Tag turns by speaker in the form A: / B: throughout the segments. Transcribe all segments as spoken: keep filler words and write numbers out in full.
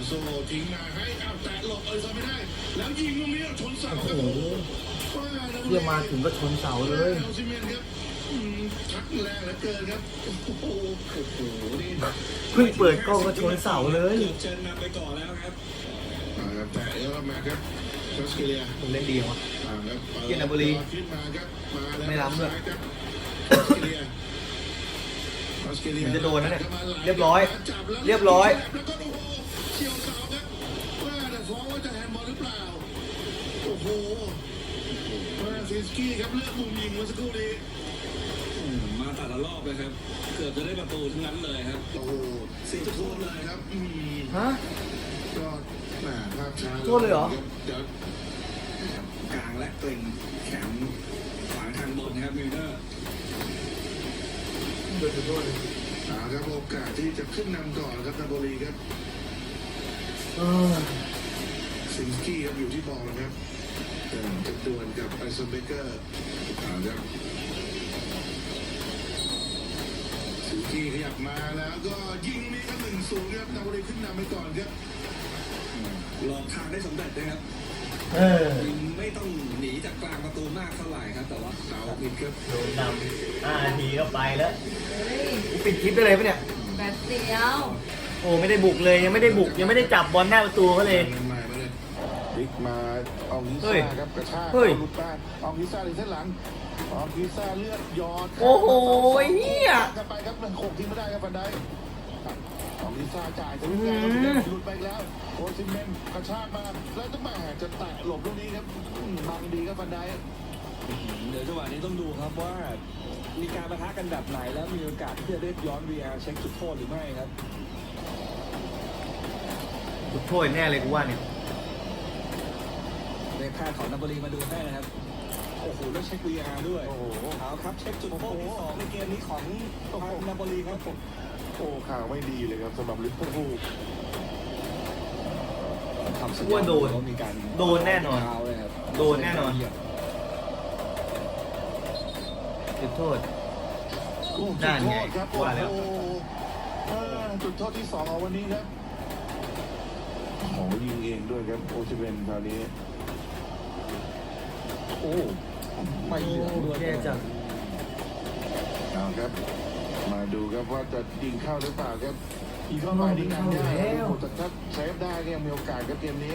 A: โซ่ทิ้งมาให้เอาแตะหลบเออซะไม่ได้แล้วยิงตรงนี้ชนเสาครับโอ้โห
B: เที่ยมาถึงก็ชนเสาเลย
A: ชักแรงเหลือเกินครับโอ้โหโอ้โหนี่
B: เพิ่งเปิดกล้องก็ชนเสาเลย
A: เชิญนำไปก่อนแล้วครับแตะแล้วมาครับชอสเกเลีย
B: ผมเล่นดีวะเกียรติบุรีไม่ล้ำเลยมันจะโดนนะเนี่ยเรียบร้อยเรียบร้อย
A: เฉียวเสาครับว่าแต่ฟ้องว่าจะแฮนด์บอลหรือเปล่าโอ้โหว่าซิสกี้ครับเลือกมุมยิงเมื่อสักครู่นี้มาแต่ละรอบเลยครับเกือบจะได้ประตูทั้งนั้นเลยครับโอ้โหสี่จุดโทษเลยครับ
B: ฮะ
A: ก็แหมภาพช้า
B: โทษเลยเหรอ
A: เดี๋ยวกลางและเกร็งแขนขวางทางบนนะครับมิลเนอร์
B: โดนโทษเลย
A: ครับโอกาสที่จะขึ้นนำก่อนครับนาโปลีครับซินกี้ครับอยู่ที่บอลนะครับจะดวลกับไอซ์เบเกอร์ครับซินกี้ขยับมาแล้วก็ยิงนี่ครับหนึ่งศูนย์ครับนาโปลีขึ้นนำไปก่อนครับหลอกทางได้สำเร็จนะครับไม่ต้องหนีจากกลางประตูมากเท่าไหร่ครับแต่ว่าเสาปิดครับ
B: โดนนำห้านาทีก็ไปแล้วปิดคลิปได้เลยปะเนี่ย
C: แบบเดียว
B: โอ้ไม่ได้บุกเลยยังไม่ได้บุกยังไม่ได้จับบอลหน้าประตูเขาเลย
A: บิ๊กมาอองลิซ่าครับกระชากลุดบ้านอองลิซ่าในเส้นหลังอองลิซ่าเลือดยอด
B: โอ้โหเฮีย
A: กันไปครับหนึ่งโขกทิ้งไม่ได้ครับฟันได้อองลิซ่าจ่ายจะวิ่งแล้วหลุดไปแล้วโอซิเมนกระชากมาแล้วต้องมาจะแตะหลบลูกนี้ครับบังดีครับฟันได้เดี๋ยวจังหวะนี้ต้องดูครับว่ามีการปะทะกันแบบไหนแล้วมีโอกาสที่จะได้ย้อน วี อาร์ เช็คจุดโทษหรือไม่ครับ
B: จุดโทษแน่เลยกูว่าเนี่ย
A: ในค่าของนาโปลีมาดูให้นะครับโอ้โหแล้วเช็ค วี อาร์ ด้วยโอ้โหเอาครับเช็คจุดโทษที่สองในเกมนี้ของนาโปลีครับโอ้ข่าวไม่ดีเลยครับสำหรับลิเวอร์พูล
B: ว่าโดนโดนแน่นอนโดนแน่นอนจุดโทษ
A: นั่นไงว่าแล้วจุดโทษที่สองของวันนี้ครับโอ้ยิงเองด้วยครับโอซิเมนคราวนี้โอ้ไม่เหลือด้วย
B: แย่จัง
A: เอาครับมาดูครับว่าจะยิงเข้าหรือเปล่าครับยิงเข้ามาดีงามได้แต่ถ้าเซฟได้ก็ยังมีโอกาสกับเกมนี้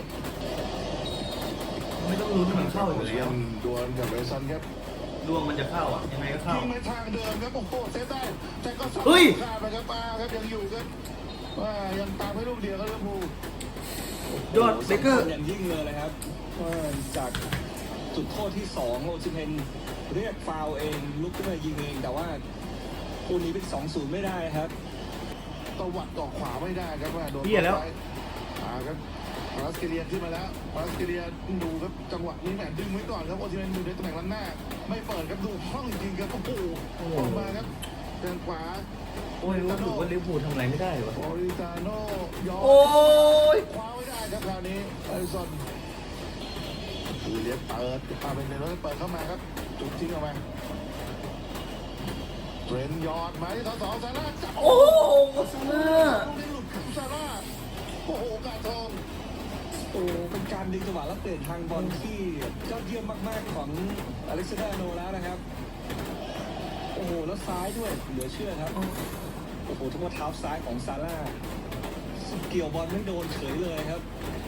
B: ไม่ต้องลุ้นมันเข้าอยู่แล้ว
A: ดวลกับไบรซันครับ
B: ดวงมันจะเข้าอ่ะยังไงก็เข้า
A: ยิงในทางเดิมครับโอ้โหเซฟได้แต่ก็สับขาดไปครับมาครับยังอยู่ครับว่ายังตามให้ลูกเดียวก็ลิเวอร์พูล
B: ยอดเบเกอร์
A: ยังยิ่งเลยครับจากจุดโทษที่สองโอซิเมนเรียกฟาวเองลุกขึ้นมายิงเองแต่ว่าคู่นี้เป็นสองศูนย์ไม่ได้ครับตวัดต่อขวาไม่ได้ครับว่าโดน
B: เบี้ยแล้ว
A: ครับมาสเกเลียนขึ้นมาแล้วมาสเกเลียนดูครับจังหวะนี้แหมดึงไว้ก่อนครับโอซิเมนดูในตำแหน่งล้างหน้าไม่เปิดครับดูห้องจริงครับโอ้โหออกมาครับแข้งขวา
B: โอ้ยรู้สึกว่าลิเวอร์พูลทำอะไรไม่ได้วะ
A: โอริซาโน่ยอม
B: โอ้ย
A: คว้าไม่ได้ครับคราวนี้ไอซอนดูเลี้ยเปิดพาเป็นเรื่องเปิดเข้ามาครับจุดทิ้งออกมาเทรนยอดมาที่ต่อสองซาร่าจับ
B: โอ้โหซาร่า
A: ลูกนี้หลุดของซาร่าโอ้โหกาทองโอ้เป็นการดึงจังหวะและเปลี่ยนทางบอลที่ยอดเยี่ยมมากๆของอเล็กซานเดอร์โนแล้วนะครับโอ้โหแล้วซ้ายด้วยเหลือเชื่อครับโอ้โหทุกว่าเท้าซ้ายของซาร่าเกี่ยวบอลไม่โดนเฉยเลยครับ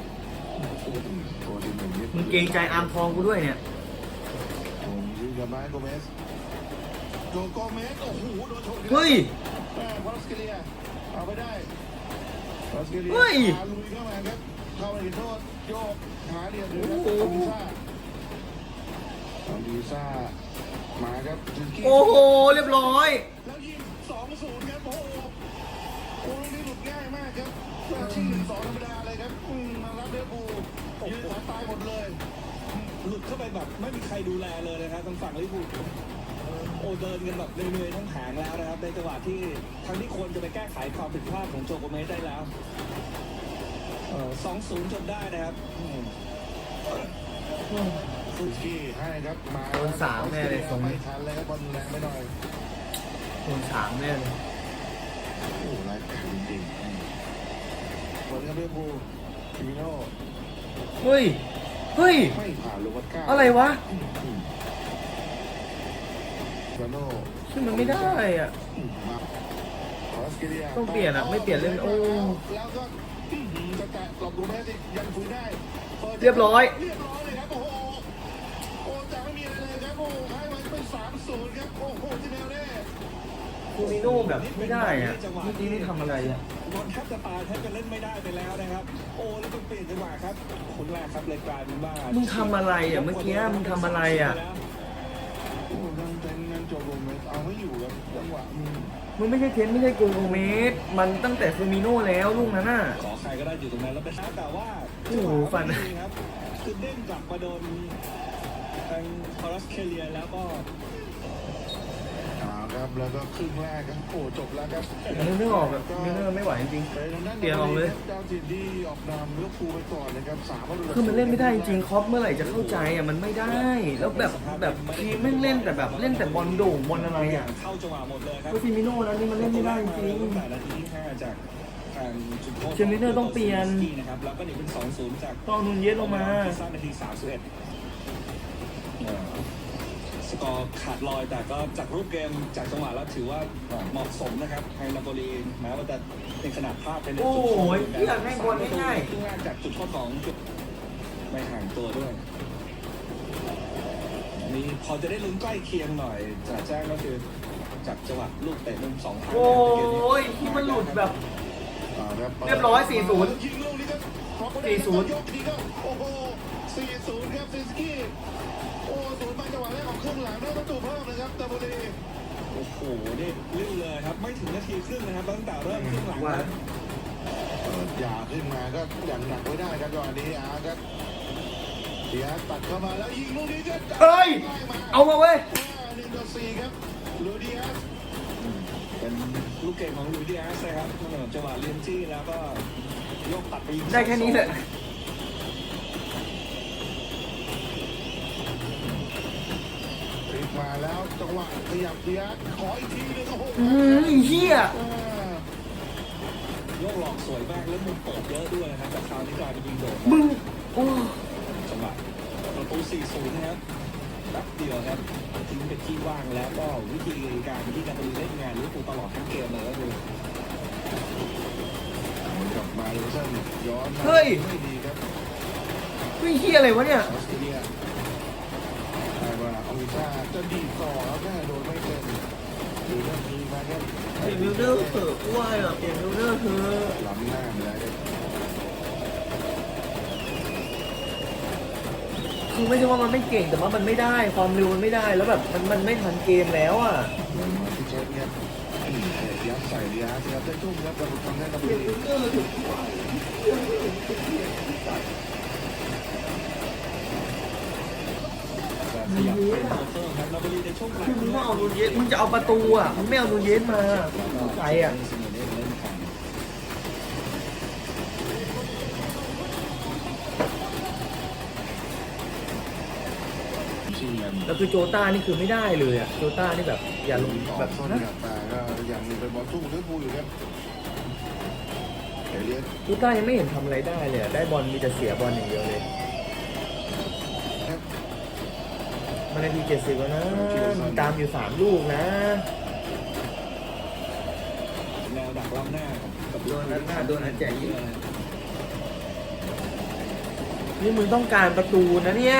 B: มึงเกรงใจอาร์มทองกูด้วยเนี่ย
A: ผมยิงกับไมค์โกเมสโจโกเมสโอ้โหโดนชน
B: เฮ้ย
A: พอลสเกเลียเอาไปได้พอลสเกเลียลุยเข้ามาครับเข้าไปโทษโยกหาเดียวเลยครับอลิซ่าอลิซ่ามาครับ
B: โอ้โหเรียบร้อย
A: แล้วยิงสองศูนย์ครับโอ้โหโอ้ยนี่หลุดง่ายมากครับชิงหนึ่งสองธรรมดาเลยครับมารับเดบูยืนสายตายหมดเลยหลุดเข้าไปแบบไม่มีใครดูแลเลยนะครับทางฝั่งลิเวอร์พูลโอ้เดินกันแบบเหนื่อยๆทั้งแผงแล้วนะครับในจังหวะที่ทั้งที่ควรจะไปแก้ไขความผิดพลาดของโจโกเมสได้แล้วสองศูนย์จนได้นะครับซูกี้ให้ครับมา
B: โดนสามแน่เลยตรง
A: นี้ทันเลยครับบอลแรงไปหน่อย
B: โดนสามแน่เลย
A: โอ้รายการจริงสวนกับลิเวอร์พูลฟิมิโน่
B: เฮ้ย เฮ้ย
A: ไม่ผ่านลูวัตก้า
B: อะไรวะ
A: ฟิมิโน่
B: ซึ่งมันไม่ได้อ่ะ
A: มาคอสเกเรีย
B: ต้องเปลี่ยนอะไม่เปลี่ยนเล่นโอ้
A: แล้วก็จะแตะหลบดูแม่สิยังคุยได้
B: เรียบร้อย
A: เรียบร้อยเลยครับโอ้โหโอ้จะไม่มีอะไรเลยครับโอ้โหให้มันเป็นสามศูนย์ครับโอ้โหที่แนวแน่
B: คูมิโน่แบบไม่ได้อ่ะเมื่อกี้นี่ทำอะไรอ่ะ
C: บอลแทบจะตายแทบจะเล่นไม่ได้ไปแล้วนะครับ โอ้แล้วก็เปลี่ยนจังหวะครับคนแรกครับเลยกลายเป็นว่า
B: มึงทำอะไรอ่ะเมื่อกี้มึงทำอะไรอ่ะ
A: โอ้โหยังเป็นเงินจบลงเลยเอาไม่อยู่ครับจังหวะอืม
B: มึงไม่ใช่เทนไม่ใช่โกโกเมสมันตั้งแต่คูมิโน่แล้วลูกนั้นน่ะ
C: ขอใครก็ได้อยู่ตรงนั้นแล้วเป็นแต่ว่า
B: โอ้โหฟัน
C: จังหวะไม่ดีครับคือเด้งกลับมาโดนทางคอรัสเคเลียแล้วก็
A: เอาครับแล้วก็ครึ่งแรกครับโอ้จบแล้วครับ
B: นึกไม่ออกแบบนึกไม่ไหวจริง
A: ไปทางด้าน
B: เปลี่ยนออกเลย
A: เจ้าถิ่นที่ออกนำลิเวอร์พูลไปก่อนนะครับสามประตู
B: ๆคือมันเล่นไม่ได้จริงๆคอปเมื่อไหร่จะเข้าใจอ่ะมันไม่ได้ แล้วแบบแบบทีมแม่งเล่นแต่แบบเล่นแต่บอลโด่งบอลอะไรอ่ะ
C: เข้าจังหวะหมดเลยครับ
B: ก็ฟิมิโน่แล้วนี่มันเล่นไม่ได้จริง
C: ตั้งแต่นาทีที่ห้าจากทางจุดโทษ
B: เชมิเนอร์ต้องเปลี่ยน
C: นะครับแล้วก็หนีเป็นสองศูนย์จาก
B: ต้องเอานูนเยสลงมา
C: สร้างนาทีสามสิบเอ็ดสกอร์ขาดลอยแต่ก็จากรูปเกมจากจังหวะแล้วถือว่าเหมาะสมนะครับให้นาโปลีแม้ว่าจะเป็นขนาดพลาดเป็น
B: โอ้
C: จุดโทษ
B: ยอยากให้บอลง่ายๆ
C: ครึ่งแรกจากจุดโทษของจุดไม่ห่างตัวด้วยนี่พอจะได้ลุ้นใกล้เคียงหน่อยจะแจ้งก็คือจากจังหวะลูกเตะมุมสองครั้ง
B: โอ้ยที่มันหลุดแบบ
A: อ่าคบ
B: เรียบร้อยสี่ศูนย์
A: ยิงลูกนี้ครับพอเขาได้
B: สี่ศูนย์
A: ยกทีก็โอ้โหสี่ศูนย์ครับซินสกี้โอ้ศูนย์มาจังหวะแรกของครึ่งหลังได้ประตูเพิ่มนะครับตาบุรี
C: โอ้โหนี่ลื่นเลยครับไม่ถึงนาทีครึ่งนะครับตั้งแต่เริ่มครึ่งหลังนะ
A: เปิดยาขึ้นมาก็อย่างหนักไว้ได้ครับจังหวะนี้อาครับเดียสตัดเข้ามาแล้วยิงลูกนี้ก็
B: เอ้ย
A: ได้มา
B: เอามาเว้ย
A: หนึ่งต่อสี่ครับลูดิอัส
C: เป็นลูกเก่งของลุยดิอาสนะครับจังหวะเลียนจี้แล้วก็ยกตัดไปยิง
B: ได้แค่นี้แหละ
A: พลิกมาแล้วจังหวะขยับเดียสขออีกทีหนึงโอ้โห
B: อืมไอ้เหี้ย
A: อ่าย
C: กหลอกสวยมากแล้วมุมเปิดเยอะด้วยนะครับแต่คราวนี้กลายเป็นยิงโดด
B: มึงโอ้
C: จังหวะประตู สี่ศูนย์ นะครับแป๊บเดียวครับทิ้งเป็นที่ว่างแล้วก็วิธีการที่นาโปลีเล่นงานลิเวอร์พูลตลอดทั้งเกมเลยก็คือ
A: กลับมาลูเซนย้อนมา
B: เฮ้ย
A: ไม่ดีครับ
B: เฮ้ยเหี้ยอะไรวะเนี่ย
A: ออสเตรเลียใช่ว่าอเมริกาจะดีดต่อแล้วแม่โดนไม่เป็นดูเรื่องนี้มาครับ
B: เปลี่ยนมิลเดอร์เถอะกูว่าอ่ะเปลี่ยนมิลเดอร์เถอะ
A: ล้ำหน้าไปแล้วครับ
B: คือไม่ใช่ว่ามันไม่เก่งแต่ว่ามันไม่ได้ความเร็วมันไม่ได้แล้วแบบมันมันไม่ทันเกมแล้วอ่ะ
A: เดินมาที่เชฟครับอืมยัดใส่ยัดยัดได้ทุ่มครับแต่ทำได้ตะ
B: เปลี่
A: บี
B: ยนมิลเดอร์เถอะกูว่า
C: ขยับเป็นโซเฟอร์ครับนาโปลีในช่วงกลาง
B: คือมึงต้องเอานูนเยสมึงจะเอาประตูอ่ะมึงไม่เอานูนเยสมาเข้าใจอ่ะ
C: เสมอเล่นเล่นกัน
A: ชิงกัน
B: แล้วคือโจต้านี่คือไม่ได้เลยอ่ะโจต้านี่แบบอย่าลง
A: ต่อ
B: แบบ
A: ส้น
B: นะ
A: กับแต่ก็ยังเป็นบอลสู้ลิเวอร์พูลอยู่ครับเอเลียส
B: โจต้ายังไม่เห็นทำอะไรได้เลยอะได้บอลมีแต่เสียบอลอย่างเดียวเลย
A: ครับ
B: มันนาทีเจ็ดสิบแล้วนะมีตามอยู่สามลูกนะ
C: แนวดักล้ำหน้ากับ
B: โดนนั้นหน้าโดนอันแจกยิงนี่มึงต้องการประตูนะเนี่ย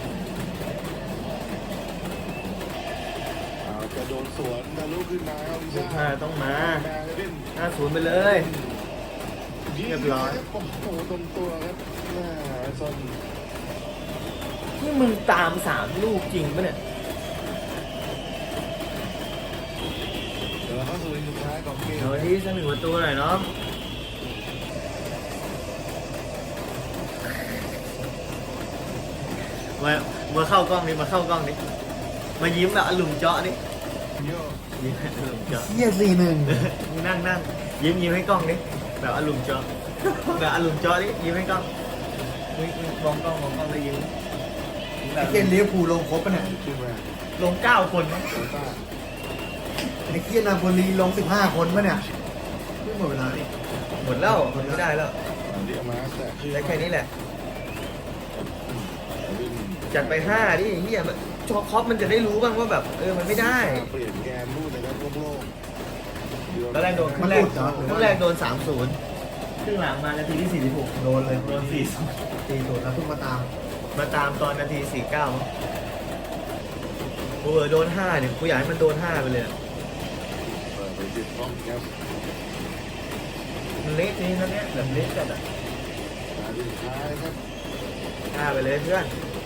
A: เอาจะโดนสวนทะลุขึ้นมาเอาลิ
B: ลู
A: ซ่าก
B: ห้าต้องมา
A: มาเล่น
B: ห้าศูนย์ไปเลย เรียบร้อย
A: โอ้โหตรงตัวครับแม่ซน
B: นี่มึงตามสามลูกจริงปะเนี่ย
A: เดี๋ยวเราเข้าสู่สุดท้ายของเกม
B: เดี๋ยวที่สักหนึ่งประตูหน่อยเนาะมามาเข้ากล้องนี่มาเข้ากล้องนี่มายิ้มแบบอารมณ์เจาะนี่
A: โย
B: ยิ้มแบบอารมณ์เจาะ
A: เฮียสี่หนึ่ง
B: มึงนั่งนั่งยิ้มยิ้มให้กล้องนี่แบบอารมณ์เจาะแบบอารมณ์เจาะนี่ยิ้มให้กล้องมึงมึงมองกล้องมองกล้องแล้วยิ้มแบบ
D: เกมลิเวอร์พูลลงครบปะเนี่ย
A: ขึ้นมา
B: ลงเก้าคนมั้ง
A: โซต้า
D: ไอ้เคียนาโปลีลงสิบห้าคนปะเนี่ยไม่หมดเวลาดิ
B: หมดแล้วหมดไม่ได้แล้ว
D: เ
A: เรียกมาแต่คือ
B: ได้แค่นี้แหละ จัดไปห้าดิเฮียมันชอคอปมันจะได้รู้บ้างว่าแบบเออมันไม่ได้
A: เปลี่ยนแกนรูดนะครับโล่งๆ
B: ตอนแรกโดนครึ่งแรกครึ่งแรกโดนสามศูนย์ครึ่งหลังมานาทีที่สี่สิบหกโดนเลยโดนสี่ศูนย์
D: ตีศูนย์แล้วเพิ่งมาตาม
B: มาตามตอนนาทีสี่เก้าโอ้โหโดนห้าเนี่ยกูอยากให้มันโดนห้าไปเลยอะ
A: เปิดไปติดกล้องครับ
B: มันเละนี่นะเนี่ยแบบเละจัดอ่ะ
A: นาทีสุดท้ายครับ
B: ห้าไปเลยเพื่อน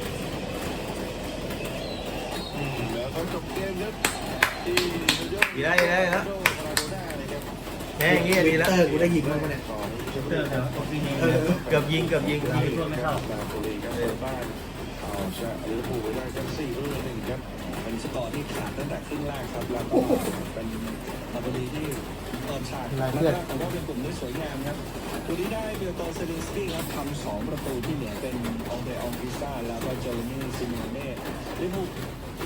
A: อืมแล้วเขาจบเกมครับที่
B: ดีแล้วดีแล้วดีแล้ว
A: โดมาราโดน่าเลยครับ
B: แค่อย่างเงี้ยดีแล้ว
D: เตอร์กูได้ยิงบ้างปะเนี่ย
A: ของชลบุ
E: เจ
A: รี
E: อ
A: ค
E: เดี๋ย
A: รั
E: ว
A: บ
E: ผมซีเฮง
D: เออ
B: เกือบยิงเกือบยิงเกือบยิง
E: เพื่อนไม่เข้า
A: นาโปลีครับเปิดบ้านเอาชนะลิเวอร์พูลไปได้ครับสี่ประตูต่อหนึ่งครับ
C: เป็นสกอร์ที่ขาดตั้งแต่ครึ่งแรกครับแล้วก็เป็นนาโปลีที่เปิดฉากแรกๆแต่ว่าเป็นกลุ่มที่สวยงามครับตัวนี้ได้เบลโตเซลินสกี้ครับทำสองประตูที่เหลือเป็นองเดรองกิซ่าแล้วก็เจอร์มี่ซิเมเน่ลิเวอร์พูล